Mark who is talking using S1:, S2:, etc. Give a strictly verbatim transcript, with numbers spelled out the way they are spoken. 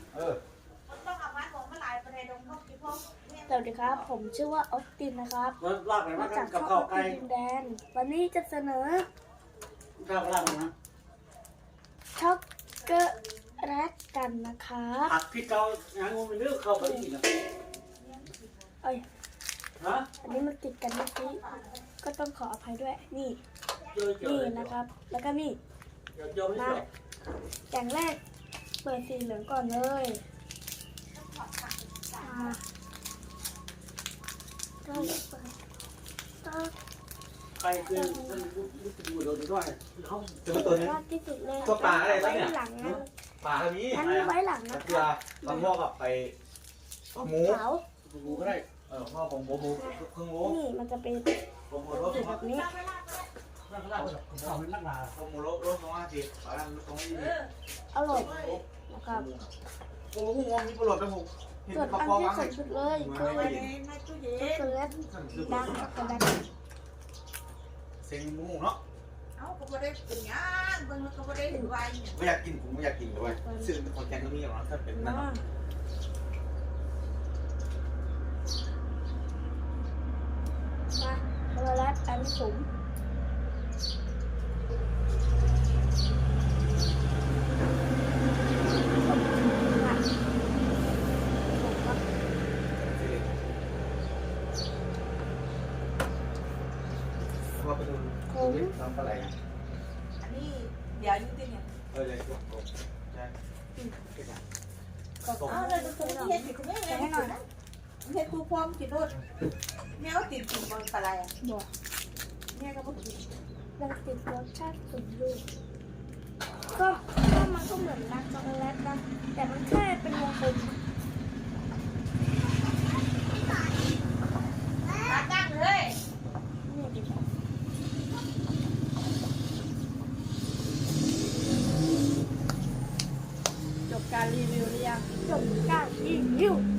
S1: เออ
S2: ต้องเอามาของมาหลายประเด็นลงเข้าคิดพ่อ
S3: สวัสดีครับผมชื่อว่าออสตินนะครับ
S4: ลากไหน
S3: มา
S4: มา
S3: จาก
S4: กับ
S3: ช่องอ
S4: ข้าว
S3: อส
S4: ไก่
S3: ตินดินแดนวันนี้จะเสนอ
S4: ข้าวลากนะ
S3: ช็อกโกแลตกันนะครับ
S4: ผักพี่เกาอย่างงูมันเลือกเข้าไปอีกนะ
S3: เอ้ย
S4: ฮะ
S3: อันนี้มันติดกันเมื่อกี้ก็ต้องขออภัยด้วยนี่
S4: เจอเจอ
S3: นี่นะครับ แล้วก็นี่
S4: เจอเจอไม่
S3: มา
S4: เจอ
S3: อย่างแรกเปิดสีเหลืองก่อนเลยอ่าก็เปิดก็
S4: ไก่คือมันรู้สึกดูโดนด้วยเขา
S1: เจอตัวนี้
S3: มากที่สุดเลย
S1: ตัวปลาอะไร
S3: ไว้
S1: เนี่ย
S3: หลังนะ
S1: ปลาทำนี้
S3: งั้นไว้หลัง
S1: ตะ
S3: นะ
S1: เกียบตะงอกกับไปหมู
S3: ขาว
S4: ดูก็ได้
S1: เออพ่อผมหมูหมูครึ่งหมู
S3: นี่มันจะเป็น
S1: ผมหมูรส
S3: สีแบบนี้
S4: ลากลากเขาเป็นนักลา
S1: ผมหมูรสรสสองห้าสิบปลาตรงนี้
S3: อร่อยนะครับ
S1: ผมหมูงงมีประโยชน์นะผมเห็น
S3: ส่วน
S1: กระ
S3: อัน
S1: เพาะ
S3: ที่
S1: วาง
S3: สุ
S1: ให้
S3: ดสุดเลยคือ
S2: ในในตู้เย็
S3: ช็อก
S2: น
S3: โกแลต
S1: คือ
S3: ดาร์กช็อกโกแลต
S1: เซ็งหมูเนาะ
S2: เอ้าก็ไม่ได้กินย่างเบิ่งแล้วก็ไม่ได้ถือไว้เนี่ย
S1: ไม่อยากกินผมไม่อยากกินเลยซึ่งเป็นคนแกงก็มีอย่างนั้นถ้าเป็นนั่น
S3: มามาช็อกโกแลตอันสูง
S1: ว่าเป็นทำอะไร
S2: อันนี้เดี๋ยวยุ่งติเนี่ย
S1: เออเลยผมใช่
S2: เอ้าเลยตัวนี้เห็ดติดคุณแม่เห็ดหน่อยนะเห็ดกูพร้อมกินรสแมวติดกินบนปลาไหล
S3: บวก
S2: แม่ก็บอกกิน
S3: ยังติดรสชาติสมดุลก็ก็มันก็เหมือนรักช็อกโกแลตนะแต่มันแค่เป็นวงกลม
S2: ตาตั้งเลย
S3: นี่ดิ
S2: จบการรีวิวหรือยัง
S3: จบการรีวิว